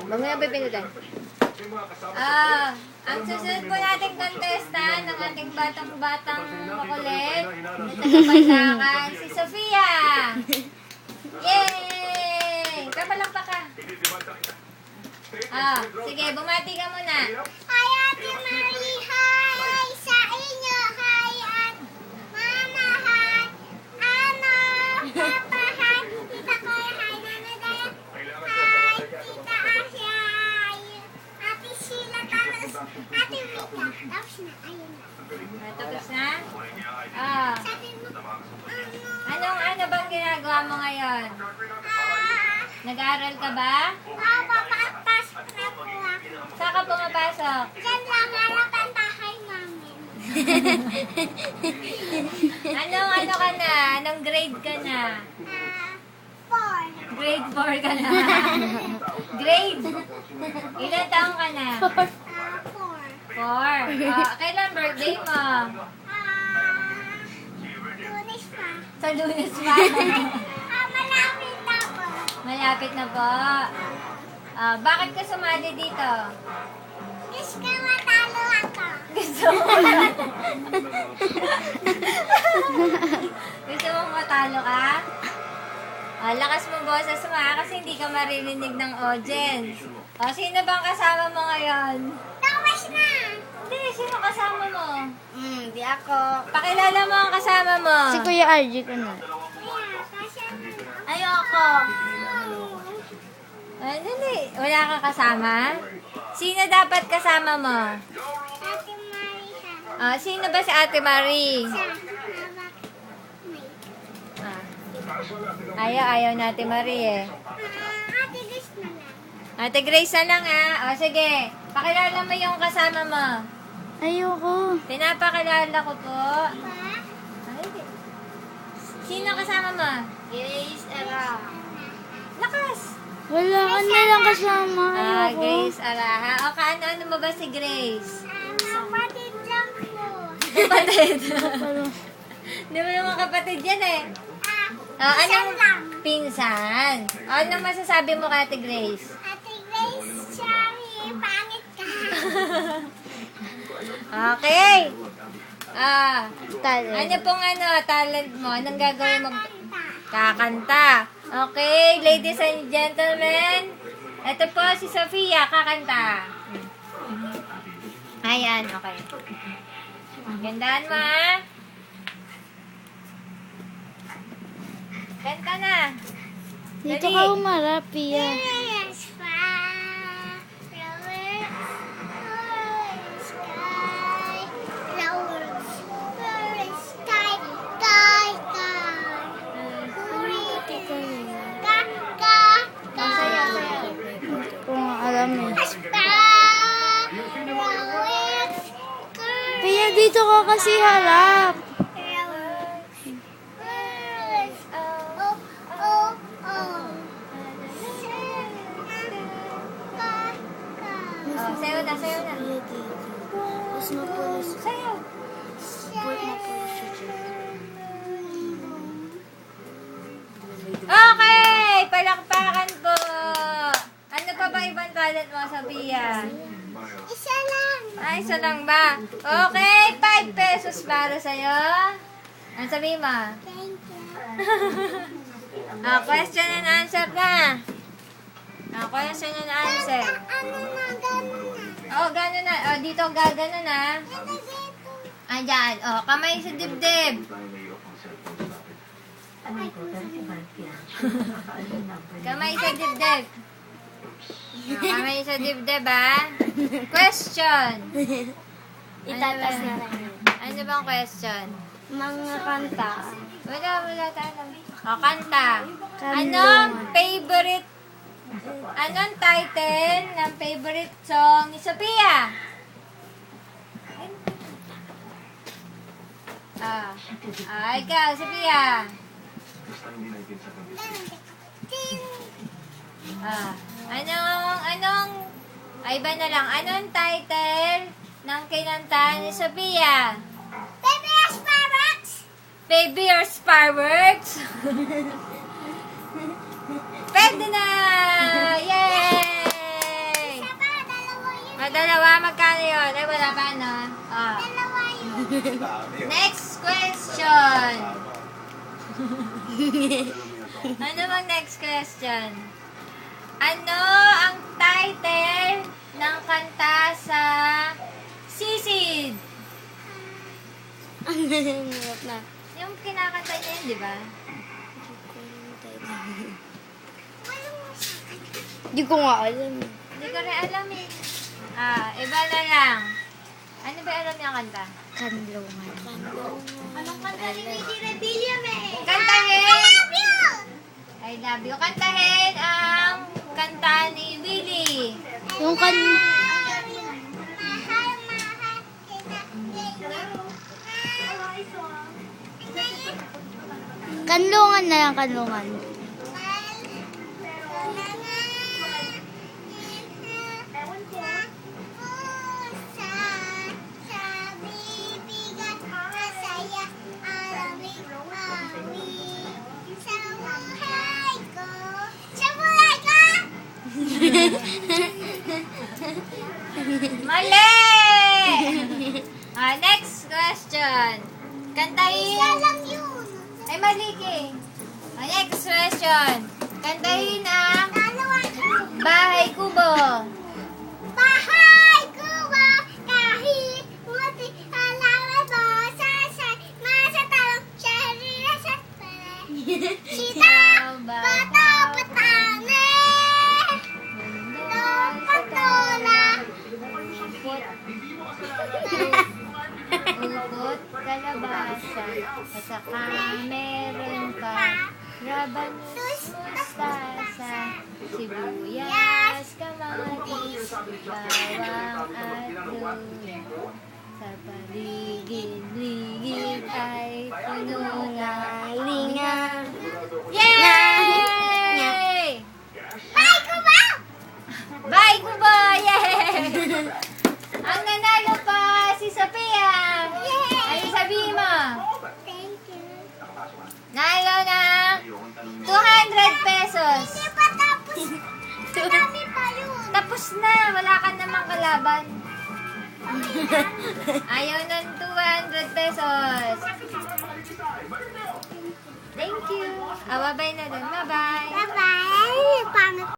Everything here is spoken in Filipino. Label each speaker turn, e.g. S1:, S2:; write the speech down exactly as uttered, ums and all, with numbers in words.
S1: Mamaya pipindutin. Ah, ang susunod po nating contestant ng ating batang-batang makulit na tagapaglakan, si Sofia! Yay! Kapalakpak ka. Ah, sige, bumati ka muna.
S2: Hi, Ate Marie. Hi sa inyo. Hi, at Mama. Hi, Ano. Papa. Hi, Tita Koy. Hi, Nana Daya. Hi, Tita Asia. Hi, Ate Sheila. Tapos, Ate Rita. Tapos na. Ayun na.
S1: Ah, tapos na? Ah,
S2: Sabi mo, ano?
S1: anong ano bang ginagawa mo ngayon?
S2: Ah,
S1: Nag-aaral ka ba?
S2: oh, papapasok na po ako.
S1: Saan ka pumapasok?
S2: Diyan lang harap ang tahay namin.
S1: Anong ano ka na? Anong grade ka na?
S2: Ah, four.
S1: Grade four ka na. Grade? Ilan taong ka na?
S2: Ah, four.
S1: four. Ah, kailan birthday mo?
S2: Ah, lunes pa.
S1: Sa Lunes pa.
S2: Ah, malapit na po.
S1: Malapit na po. Ah, bakit ka sumali dito?
S2: Gusto ko matalo ako.
S1: Gusto mo Gusto mong matalo ka? Ah, lakas mo boses mo ha, kasi hindi ka maririnig ng audience. Ah, sino bang kasama mo ngayon?
S2: Tapos na.
S1: Hindi, sino kasama mo?
S2: Hmm, di ako.
S1: Pakilala mo ang kasama mo.
S3: Si Kuya R G ko na.
S2: Kaya, kasama.
S1: Ayoko. Ay, dali. Wala kang kasama? Sino dapat kasama mo?
S2: Ate Marisa.
S1: Ah, sino ba si Ate Marie?
S2: Sa hawak. May.
S1: Ah. Ayaw, ayaw na Ate Marie eh.
S2: Ah, Ate Grace na lang.
S1: Ate Grace na lang ha. O sige, pakilala mo yung kasama mo.
S3: Ayoko.
S1: Pinapakilala ko po.
S2: Pa?
S1: Ay, sino kasama mo?
S2: Grace Era.
S1: Lakas!
S3: Wala ka na lang kasama.
S1: Ah,
S3: Ayoko.
S1: Grace Araha. O kaano-ano mo ba si Grace?
S2: Ah, kapatid lang po.
S1: Kapatid.
S3: Pero,
S1: Di ba yung mga kapatid yan eh?
S2: Ah,
S1: Ah,
S2: isa
S1: anong
S2: lang.
S1: pinsan? O, anong masasabi mo kay Ate Grace?
S2: Ate Grace, sorry, pangit ka.
S1: Okay. Ah,
S3: talent.
S1: ano pong ano, talent mo? Anong gagawin mo?
S2: Kanta.
S1: Kakanta. Okay, ladies and gentlemen, ito po si Sofia, kakanta. Ayan, okay. Gandaan mo, ha? Kanta na.
S3: Dito
S1: Dali.
S3: ka umarap, Pia.
S2: Yes, fire, flowers, flowers, sky, flowers, flowers, sky, sky, sky. Huri, ka, ka, ka.
S1: Sayaw, sayaw.
S3: Kung alam mo.
S2: Sky, flowers, sky,
S3: Pia, dito ka kasi harap.
S2: flowers, flowers, oh, oh, oh. Ka, ka.
S1: Oh, sayaw na, sayaw na.
S3: Mas mapulis.
S1: Sayaw. Okay! Palakpakan po! Ano pa ba ibang talent mo, Sophia?
S2: Isa lang.
S1: Ay, isa lang ba? Okay, five pesos para sa'yo. Ano sabihin mo?
S2: Thank you.
S1: Ah, question and answer na. Ah, question and answer.
S2: Ano na, gano'n na.
S1: Oh, gano'n na. Oh, dito gagano na.
S2: Ano dito?
S1: Ayan. Oh, kamay sa dibdib. Kamay sa dibdib. Oh, kamay sa dibdib, ah. Question.
S3: Itatas
S1: Ano
S3: na
S1: ba?
S3: lang.
S1: Ano bang question?
S3: Mga kanta.
S1: Wala, wala tayo. O, kanta.
S3: Kanlungan.
S1: Anong favorite, anong title ng favorite song ni Sophia? Ah, ah ikaw, Sophia.
S2: Ting.
S1: Ah, anong, anong, ay iba na lang, anong title ng kinanta ni Sophia?
S2: Baby Sparrows.
S1: Baby or fireworks? Pwede na! Yay! Next question. Ano bang next question? Ano ang title ng kanta sa Sisid?
S3: Ang hirap na.
S1: Yung kinakanta niya yun, di ba?
S3: Hindi ko nga alam.
S1: Hindi ko rin alam eh. Ah, iba na lang. Ano ba alam niya kanta?
S3: Kanlungan.
S2: Anong kanta ni Missy Rebilla, eh?
S1: Kantahin!
S2: I love you!
S1: I love you. Kantahin ang kanta ni Willie.
S3: Yung kan...
S2: Mahal, mahal kita.
S3: Kanlungan na yan, kanlungan.
S1: Mali! Ah, next question. Kantahin. Ay, mali ka eh. Ah, next question. Kantahin ang Bahay Kubo.
S2: Bahay kubo, kahit muti alawan mo, sasay, masatalong, syarira sa pare. Sita, bata, patane, no, patola.
S1: Ukot, kalabasa, at saka meron pa rabanus, mustasa, sibuyas, kamatis, bawang at luya. Sa paligid-ligid ay puno ng linga. Yay!
S2: Bahay kubo!
S1: Bye, Kubo! Yay! Ang nanalo pa si Sophia. Ay, sabihin mo.
S2: Thank you.
S1: Nalo ng two hundred pesos.
S2: Hindi pa tapos. Dami pa yun.
S1: Tapos na. Wala ka namang kalaban. Ayaw ng two hundred pesos. Thank you. Ah, bye-bye na dun. Bye-bye.
S2: Bye-bye. Pangit.